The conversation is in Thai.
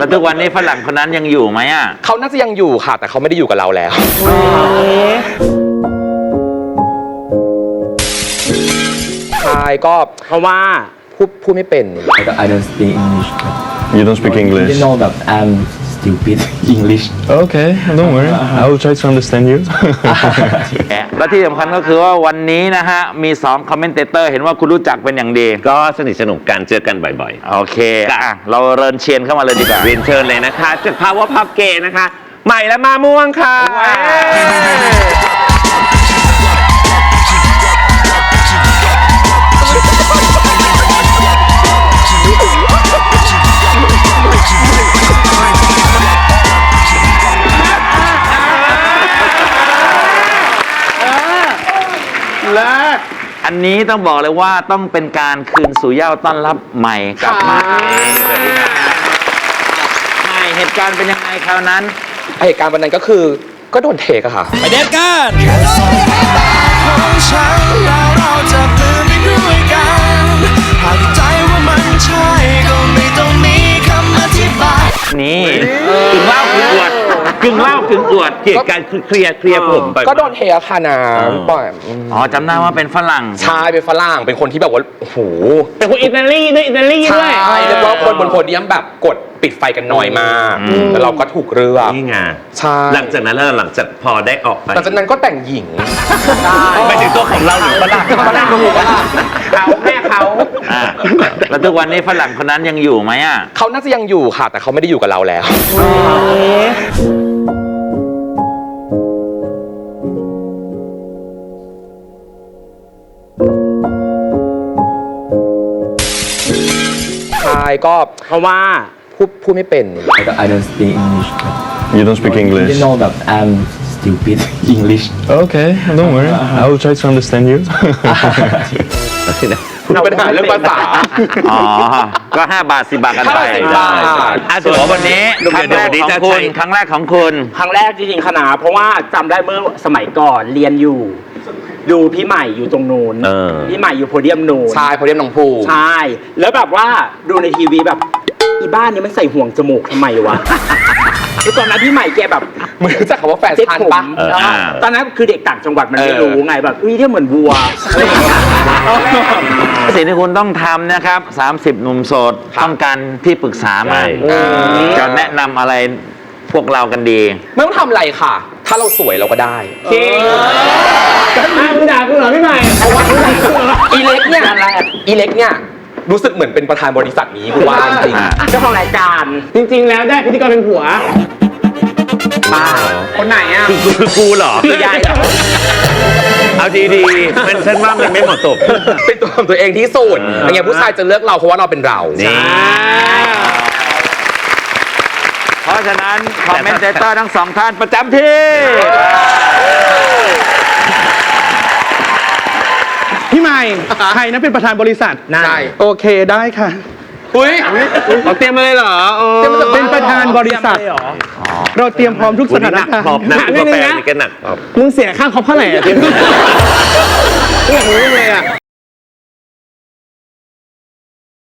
แล้วทุกวันนี้ฝรั่งคนนั้นยังอยู่ไหมอ่ะเขาน่าจะยังอยู่ค่ะแต่เขาไม่ได้อยู่กับเราแล้วใช่ก็เพราะว่าพูดไม่เป็น I don't speak English. You don't speak English? You know that I'm stupid English. Okay, don't worry. I will try to understand you. และที่สำคัญก็คือว่าวันนี้นะฮะมี2คอมเมนเตเตอร์เห็นว่าคุณรู้จักเป็นอย่างดีก็สนิทสนมกันเจอกันบ่อยโอเคเราเริญเชียนเข้ามาเลยดีกว่าๆเรียนเชิญเลยนะคะจาก Power Pub Gay นะคะใหม่และมาม่วงค่ะอันนี้ต้องบอกเลยว่าต้องเป็นการคืนสู่เหย้าต้อนรับใหม่กลับมาใหม่เหตุการณ์เป็นยังไงคราวนั้นเหตุการณ์วันนั้นก็คือก็โดนเทกอะค่ะไปเด็ดกันนี่กึ่งเล่ากึ่งอวดกึ่งเล่ากึ่งอวดเกี่ยวกับคือเคลียร์ผมไปก็โดนเทค่ะน้ำปล่อยอ๋อจำได้ว่าเป็นฝรั่งใช่เป็นฝรั่งเป็นคนที่แบบว่าโอ้โหเป็นคนอิตาลีด้วยใช่แล้วก็คนบนโพเดียมแบบกดปิดไฟกันน้อยมากแล้วเราก็ถูกเลือกนี่ไงใช่หลังจากนั้นหลังจากพอได้ออกไปหลังจากนั้นก็แต่งหญิงไปถึงตัวของเราหรือฝรั่งเขาแม่เขาแล้วทุกวันนี้ฝรั่งคนนั้นยังอยู่ไหมอ่ะเขาน่าจะยังอยู่ค่ะแต่เขาไม่ได้อยู่กับเราแล้วใช่ก็เพราะว่าพูดไม่เป็น I don't speak English. You don't speak English? You know that I'm stupid English. Okay, don't worry. I will try to understand you. คุณปัญหาเรื่องภาษาอ๋อก็5 บาท 10 บาทกันไปถือว่าวันนี้ครั้งแรกของคุณครั้งแรกของคุณครั้งแรกจริงๆคณะเพราะว่าจำได้เมื่อสมัยก่อนเรียนอยู่ดูพี่ใหม่อยู่ตรงนู้นพี่ใหม่อยู่โพเดียมนู้นใช่โพเดียมหนองพูใช่แล้วแบบว่าดูในทีวีแบบอีบ้านนี้มันใส่ห่วงจมูกทำไมวะคือตอนนั้นพี่ใหม่แกแบบมึงรู้จักคำว่าแฟชั่นปะตอนนั้นคือเด็กต่างจังหวัดมันไม่รู้ไงแบบอุ้ยที่เหมือนวัวอะไรอย่างเงี้ยสิ่งที่คุณต้องทำนะครับ30 หนุ่มโสดต้องการที่ปรึกษามาจะแนะนำอะไรพวกเรากันดีไม่ต้องทำอะไรค่ะถ้าเราสวยเราก็ได้จริงมึงด่ากูเหรอพี่ใหม่อีเล็กเนี่ยรู้สึกเหมือนเป็นประธานบริษัทนี้กูว่าจริงเจ้าของรายการจริงๆแล้วได้พิธีกรเป็นผัวป้าคนไหนอ่ะคือกูเหรอคือยายเอาดีๆมันฉันว่ามันไม่เหมาะสมเป็นตัวของตัวเองที่สุดอย่างเงี้ยผู้ชายจะเลือกเราเพราะว่าเราเป็นเราเพราะฉะนั้นคอมเมนเตเตอร์ทั้ง2ท่านประจำที่พี่ใหม่ใครนะเป็นประธานบริษัทได้โอเคได้ค่ะอุ้ยเราเตรียมมาเลยเหรอเป็นประธานบริษัทเราเตรียมพร้อมทุกสถานการณ์นะกาแฟนี่ก็หนักมึงเสียค่าคอมเท่าไหร่อ่ะเตรียมอยากรู้เลยอ่ะ